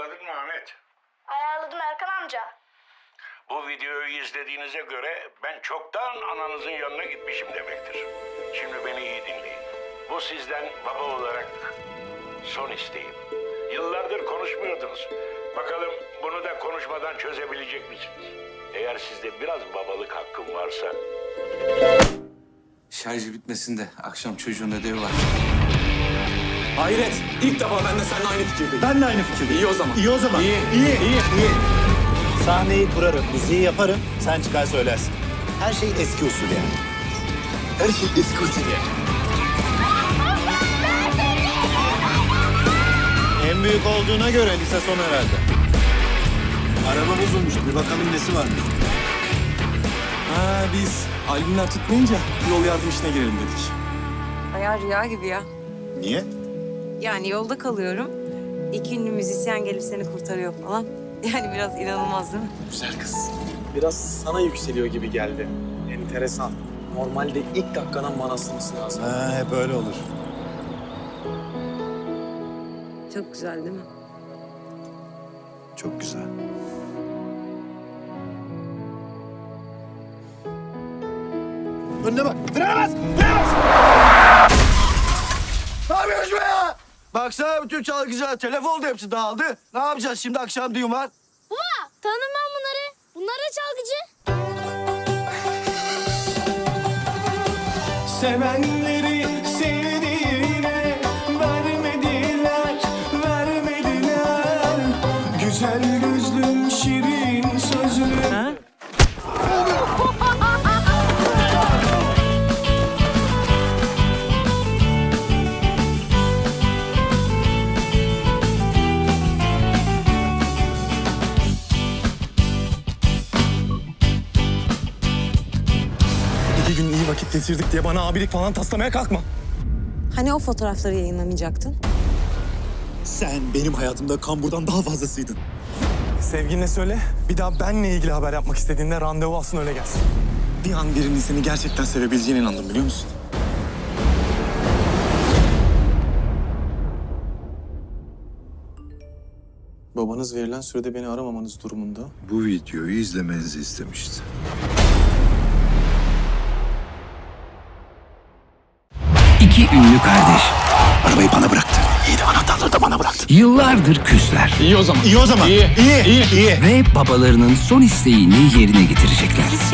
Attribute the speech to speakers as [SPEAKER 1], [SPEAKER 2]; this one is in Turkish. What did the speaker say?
[SPEAKER 1] ayarladın mı Ahmet?
[SPEAKER 2] Ayarladım Erkan amca.
[SPEAKER 1] Bu videoyu izlediğinize göre ben çoktan ananızın yanına gitmişim demektir. Şimdi beni iyi dinleyin. Bu sizden baba olarak son isteğim. Yıllardır konuşmuyordunuz. Bakalım bunu da konuşmadan çözebilecek misiniz? Eğer sizde biraz babalık hakkım varsa...
[SPEAKER 3] Şarjı bitmesin de akşam çocuğun ödevi var.
[SPEAKER 4] Hayret! İlk defa ben de seninle aynı fikirdeyim.
[SPEAKER 5] Ben de aynı fikirdeyim.
[SPEAKER 4] İyi o zaman.
[SPEAKER 5] İyi o zaman.
[SPEAKER 4] İyi.
[SPEAKER 5] Sahneyi kurarım, müziği yaparım, sen çıkar söylersin. Her şey eski usul yani. Her şey eski usul yani. En büyük olduğuna göre lise son herhalde. Araba bozulmuş, bir bakalım nesi varmış.
[SPEAKER 4] Ha biz albümler tutmayınca yol yardım işine girelim dedik.
[SPEAKER 6] Bayağı rüya gibi ya.
[SPEAKER 5] Niye?
[SPEAKER 6] Yani yolda kalıyorum. İki ünlü müzisyen gelip seni kurtarıyor falan. Yani biraz inanılmaz değil mi?
[SPEAKER 4] Güzel kız. Biraz sana yükseliyor gibi geldi. Enteresan. Normalde ilk dakikadan bana asılması lazım.
[SPEAKER 5] Ha, hep öyle olur.
[SPEAKER 6] Çok güzel değil mi?
[SPEAKER 5] Çok güzel. Önüne bak. Frene bas! Frene bas! Ne yapıyorsun be ya? Baksana bütün çalgıcılar telef oldu, hepsi dağıldı. Ne yapacağız şimdi, akşam düğün var?
[SPEAKER 2] Baba tanımam bunları. Bunlar da çalgıcı.
[SPEAKER 4] Sevenleri sevdiğine vermediler. Güzel gözlüm, şirin sözlüm. İki gün iyi vakit geçirdik diye bana abilik falan taslamaya kalkma.
[SPEAKER 6] Hani o fotoğrafları yayınlamayacaktın?
[SPEAKER 5] Sen benim hayatımda kamburdan daha fazlasıydın.
[SPEAKER 4] Sevgiline söyle, bir daha benle ilgili haber yapmak istediğinde randevu alsın öyle gelsin.
[SPEAKER 5] Bir an birinin seni gerçekten sevebileceğine inandım, biliyor musun?
[SPEAKER 4] Babanız verilen sürede beni aramamanız durumunda
[SPEAKER 7] Bu videoyu izlemenizi istemişti.
[SPEAKER 8] İki ünlü kardeş.
[SPEAKER 5] Arabayı bana bıraktı. İyi de anahtarları da bana bıraktı.
[SPEAKER 8] Yıllardır küsler.
[SPEAKER 4] İyi o zaman.
[SPEAKER 5] İyi o zaman. İyi.
[SPEAKER 8] Ve babalarının son isteğini yerine getirecekler.